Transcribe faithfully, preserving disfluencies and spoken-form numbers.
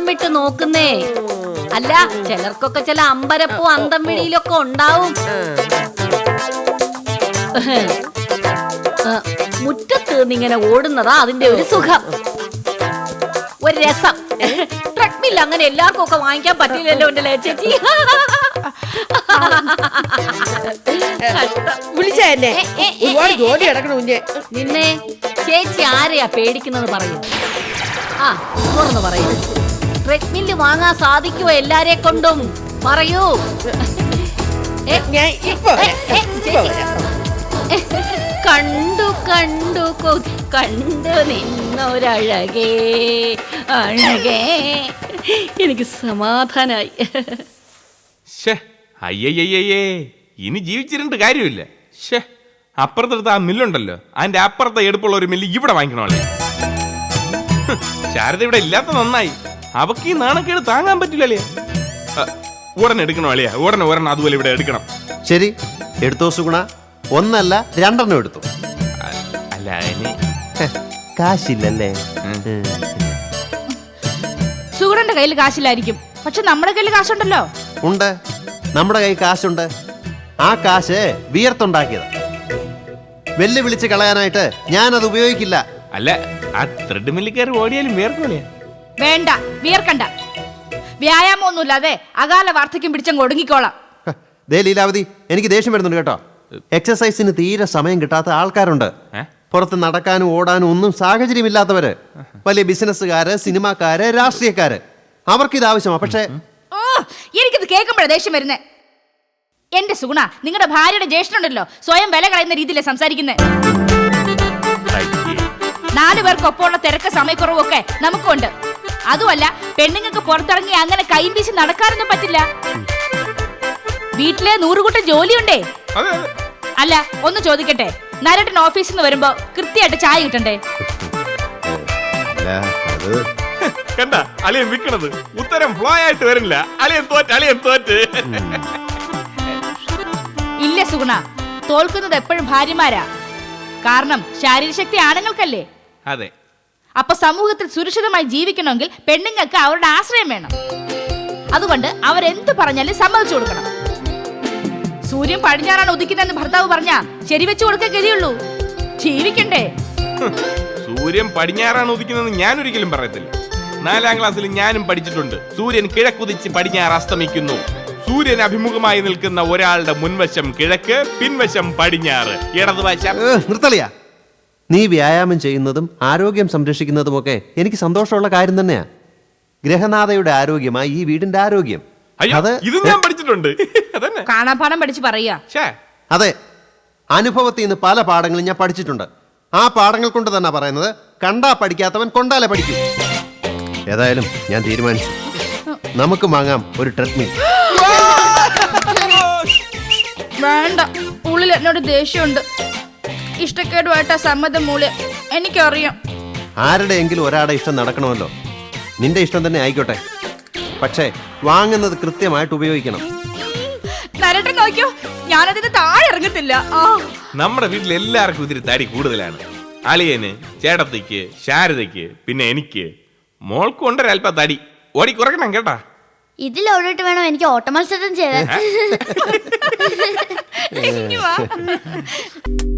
വിട്ട് നോക്കുന്നേ. അല്ല, ചിലർക്കൊക്കെ ചില അമ്പരപ്പോ അന്തം വിളിയിലൊക്കെ ഉണ്ടാവും. മുറ്റത്ത് നിന്നിങ്ങനെ ഓടുന്നതാ അതിന്റെ ഒരു സുഖം, ഒരു രസം. ട്രെഡ്മിൽ അങ്ങനെ എല്ലാവർക്കും ഒക്കെ വാങ്ങിക്കാൻ പറ്റില്ലല്ലോ എന്റെ ചേച്ചി. നിന്നെ ചേച്ചി ആരെയാ പേടിക്കുന്നത് പറയൂ. ആ തുറന്നു പറയൂ. ട്രെഡ്മില്ല് വാങ്ങാൻ സാധിക്കുമോ എല്ലാരെ കൊണ്ടും? പറയൂ. കണ്ടു കണ്ടു കണ്ടു നിന്നൊരഴകേ അഴകേ. എനിക്ക് സമാധാനായി. അയ്യയ്യേ, ഇനി ജീവിച്ചിരുന്നിട്ട് കാര്യമില്ല. ഷേ, അപ്പുറത്തെടുത്ത ആ മില്ലുണ്ടല്ലോ, അതിന്റെ അപ്പുറത്തെ എടുപ്പുള്ള ഒരു മില്ല് ഇവിടെ വാങ്ങിക്കണോളെ. ശാരദ ഇവിടെ ഇല്ലാത്ത നന്നായി. അവക്ക് ഈ നാണക്കേട് താങ്ങാൻ പറ്റില്ലല്ലേ. ഉടനെ എടുക്കണോ അളിയാ, ഉടനെ ഉടനെ അതുപോലെ ഇവിടെ എടുക്കണം. ശരി, എടുത്തോ സുഗുണ. ഒന്നല്ല രണ്ടെണ്ണം എടുത്തു. അല്ല ഇനി കാശില്ലല്ലേ? സുഗുണന്റെ കയ്യിൽ കാശില്ലായിരിക്കും, പക്ഷെ നമ്മുടെ കയ്യിൽ കാശുണ്ടല്ലോ. ഉണ്ട്, നമ്മുടെ കയ്യിൽ കാശുണ്ട്. ആ കാശ് വിയർത്തുണ്ടാക്കിയതാ. വെല്ലു വിളിച്ച് കളയാനായിട്ട് ഞാനത് ഉപയോഗിക്കില്ല. അല്ല, ആ ത്രെഡ് മില്ലിൽ കയറി ഓടിയാലും വിയർക്കൂലേ? വേണ്ട, വിയർക്കണ്ട. വ്യായാമം ഒന്നുമില്ലാതെ അകാല വാർദ്ധക്യം പിടിച്ചങ്ങ് ഒടുങ്ങിക്കോളാം. ദേ ലീലാവതി, എനിക്ക് ദേഷ്യം വരുന്നുണ്ട് കേട്ടോ. എക്സസൈസിന് തീരെ സമയം കിട്ടാത്ത ആൾക്കാരുണ്ട്. പുറത്ത് നടക്കാനും ഓടാനും ഒന്നും സാഹചര്യമില്ലാത്തവര്, വലിയ ബിസിനസ്സുകാര്, സിനിമാക്കാര്, രാഷ്ട്രീയക്കാര്, അവർക്ക് ഇത് ആവശ്യമാണ്. പക്ഷേ ഓ, എനിക്കിത് കേൾക്കുമ്പോഴേ ദേഷ്യം വരുന്നേ. എന്റെ സുഗുണ, നിങ്ങളുടെ ഭാര്യയുടെ ജ്യേഷ്ഠനുണ്ടല്ലോ, സ്വയം വില കളയുന്ന രീതിയിലെ സംസാരിക്കുന്നേ. നാലു പേർക്കൊപ്പമുള്ള തിരക്ക് സമയക്കുറവൊക്കെ നമുക്കുണ്ട്. അതുമല്ല, പെണ്ണുങ്ങൾക്ക് പുറത്തിറങ്ങി അങ്ങനെ കൈ വീശി നടക്കാനൊന്നും പറ്റില്ല. വീട്ടിലെ നൂറുകൂട്ടം ജോലിയുണ്ടേ. അല്ല, ഒന്ന് ചോദിക്കട്ടെ, നരട്ടൻ ഓഫീസിൽ നിന്ന് വരുമ്പോ കൃത്യമായിട്ട് ചായ കിട്ടണ്ടേ? കണ്ട അളിയൻ വിൽക്കണത് ഉത്തരം ഫ്ലോ ആയിട്ട് വരില്ല. അളിയൻ തോറ്റ്, അളിയൻ തോറ്റ്. ഇല്ല സുഗുണ, തോൽക്കുന്നത് എപ്പോഴും ഭാര്യമാരാ. കാരണം ശാരീരശക്തി ആണുങ്ങൾക്കല്ലേ. അതെ. അപ്പൊ സമൂഹത്തിൽ സുരക്ഷിതമായി ജീവിക്കണമെങ്കിൽ പെണ്ണുങ്ങൾക്ക് അവരുടെ ആശ്രയം വേണം. അതുകൊണ്ട് അവരെന്ത് പറഞ്ഞാലും സമ്മതിച്ചു കൊടുക്കണം. സൂര്യൻ പടിഞ്ഞാറാണ് ഉദിക്കുന്നതെന്ന് ഭർത്താവ് പറഞ്ഞാ ശരിവെച്ചു കൊടുക്കാൻ ഗതിയുള്ളൂ. ജീവിക്കണ്ടേ? സൂര്യൻ പടിഞ്ഞാറാണ് ഉദിക്കുന്നതെന്ന് ഞാൻ ഒരിക്കലും പറയത്തില്ല. നാലാം ക്ലാസ്സിൽ ഞാനും പഠിച്ചിട്ടുണ്ട്. സൂര്യൻ കിഴക്കുതിച്ച് പടിഞ്ഞാറ് അസ്തമിക്കുന്നു. സൂര്യൻ അഭിമുഖമായി നിൽക്കുന്ന ഒരാളുടെ മുൻവശം കിഴക്ക്, പിൻവശം പടിഞ്ഞാറ്, ഇടതുവശം. നിർത്തളിയാ. നീ വ്യായാമം ചെയ്യുന്നതും ആരോഗ്യം സംരക്ഷിക്കുന്നതുമൊക്കെ എനിക്ക് സന്തോഷമുള്ള കാര്യം തന്നെയാ. ഗ്രഹനാഥയുടെ ആരോഗ്യമായി ഈ വീടിന്റെ ആരോഗ്യം. ഇത് ഞാൻ പഠിച്ചിട്ടുണ്ട്. കാണാപാഠം പഠിച്ച് പറയാ. അതെ, അനുഭവത്തിൽ നിന്ന് പല പാഠങ്ങളും ഞാൻ പഠിച്ചിട്ടുണ്ട്. ആ പാഠങ്ങൾ കൊണ്ട് തന്നെ പറയുന്നത്, കണ്ടാ പഠിക്കാത്തവൻ കൊണ്ടാലേ പഠിക്കൂ. ഏതായാലും ഞാൻ തീരുമാനിച്ചു, നമുക്ക് വാങ്ങാം ഒരു ട്രെഡ്മിൽ. വേണ്ട, ഉള്ളിൽ എന്നോട് ദേഷ്യമുണ്ട്. ഇഷ്ടക്കേടുമായിട്ടാ സമ്മതം മൂല്യം, എനിക്കറിയാം. ആരുടെയെങ്കിലും ഒരാളുടെ ഇഷ്ടം നടക്കണമല്ലോ. നിന്റെ ഇഷ്ടം തന്നെ ആയിക്കോട്ടെ, പക്ഷേ വാങ്ങുന്നത് കൃത്യമായിട്ട് ഉപയോഗിക്കണം. നരട്ടൻ നോക്കിയോ, ഞാനതിന് താഴെ ഇറങ്ങത്തില്ല. നമ്മുടെ വീട്ടിൽ എല്ലാവർക്കും ഇതിരി തടി കൂടുതലാണ്. അളിയന്, ചേട്ടത്തിക്ക്, ശാരദയ്ക്ക്, പിന്നെ എനിക്ക്. മോൾക്ക് കൊണ്ടൊരൽപ്പം തടി ഓടി കുറയ്ക്കണം കേട്ടാ. ഇതിൽ ഓടിട്ട് വേണം എനിക്ക് ഓട്ടമത്സരം ചെയ്യാൻ.